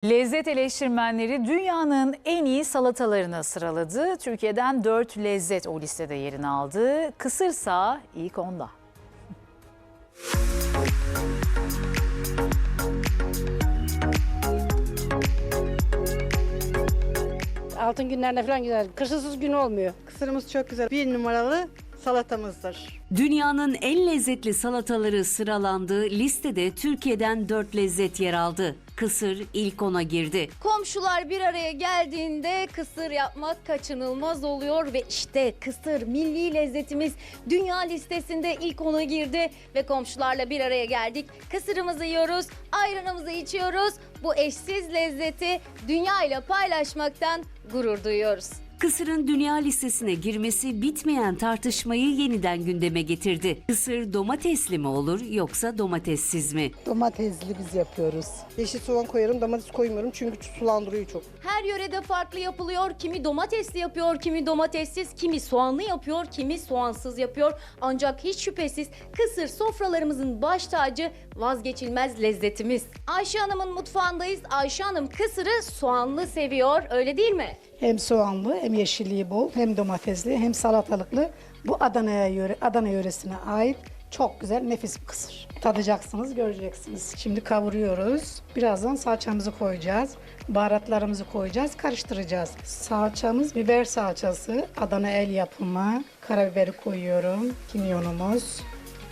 Lezzet eleştirmenleri dünyanın en iyi salatalarını sıraladı. Türkiye'den 4 lezzet o listede yerini aldı. Kısırsa ilk onda. Altın günlerinde falan güzel. Kırsız gün olmuyor. Kısırımız çok güzel. Bir numaralı salatamızdır. Dünyanın en lezzetli salataları sıralandı. Listede Türkiye'den 4 lezzet yer aldı. Kısır ilk ona girdi. Komşular bir araya geldiğinde kısır yapmak kaçınılmaz oluyor ve işte kısır milli lezzetimiz dünya listesinde ilk ona girdi ve komşularla bir araya geldik. Kısırımızı yiyoruz, ayranımızı içiyoruz. Bu eşsiz lezzeti dünya ile paylaşmaktan gurur duyuyoruz. Kısırın dünya listesine girmesi bitmeyen tartışmayı yeniden gündeme getirdi. Kısır domatesli mi olur yoksa domatessiz mi? Domatesli biz yapıyoruz. Yeşil soğan koyarım, domates koymuyorum çünkü sulandırıyor çok. Her yörede farklı yapılıyor. Kimi domatesli yapıyor, kimi domatessiz, kimi soğanlı yapıyor, kimi soğansız yapıyor. Ancak hiç şüphesiz kısır sofralarımızın baş tacı, vazgeçilmez lezzetimiz. Ayşe Hanım'ın mutfağındayız. Ayşe Hanım kısırı soğanlı seviyor, öyle değil mi? Hem soğanlı, hem yeşilliği bol, hem domatesli, hem salatalıklı. Bu Adana yöresine ait çok güzel, nefis bir kısır. Tadacaksınız, göreceksiniz. Şimdi kavuruyoruz. Birazdan salçamızı koyacağız. Baharatlarımızı koyacağız, karıştıracağız. Salçamız biber salçası, Adana el yapımı. Karabiberi koyuyorum, kimyonumuz.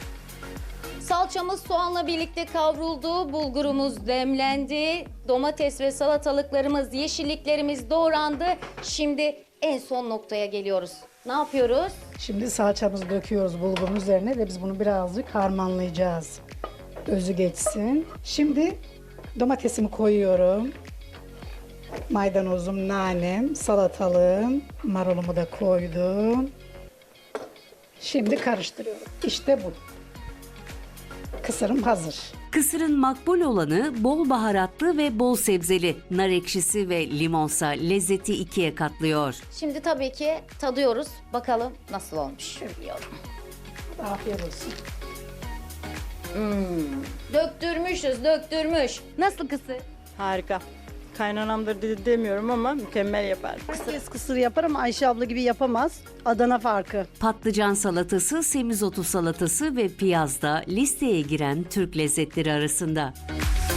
Salçamız soğanla birlikte kavruldu, bulgurumuz demlendi, domates ve salatalıklarımız, yeşilliklerimiz doğrandı. Şimdi en son noktaya geliyoruz. Ne yapıyoruz? Şimdi salçamızı döküyoruz bulgurun üzerine ve biz bunu birazcık harmanlayacağız. Özü geçsin. Şimdi domatesimi koyuyorum. Maydanozum, nanem, salatalığım, marulumu da koydum. Şimdi karıştırıyorum. İşte bu. Kısırım hazır. Kısırın makbul olanı bol baharatlı ve bol sebzeli. Nar ekşisi ve limonsa lezzeti ikiye katlıyor. Şimdi tabii ki tadıyoruz. Bakalım nasıl olmuş. Yiyorum. Afiyet olsun. Döktürmüşüz, döktürmüş. Nasıl kısır? Harika. Kaynanamdır demiyorum ama mükemmel yapar. Herkes kısır yapar ama Ayşe abla gibi yapamaz. Adana farkı. Patlıcan salatası, semizotu salatası ve piyaz da listeye giren Türk lezzetleri arasında.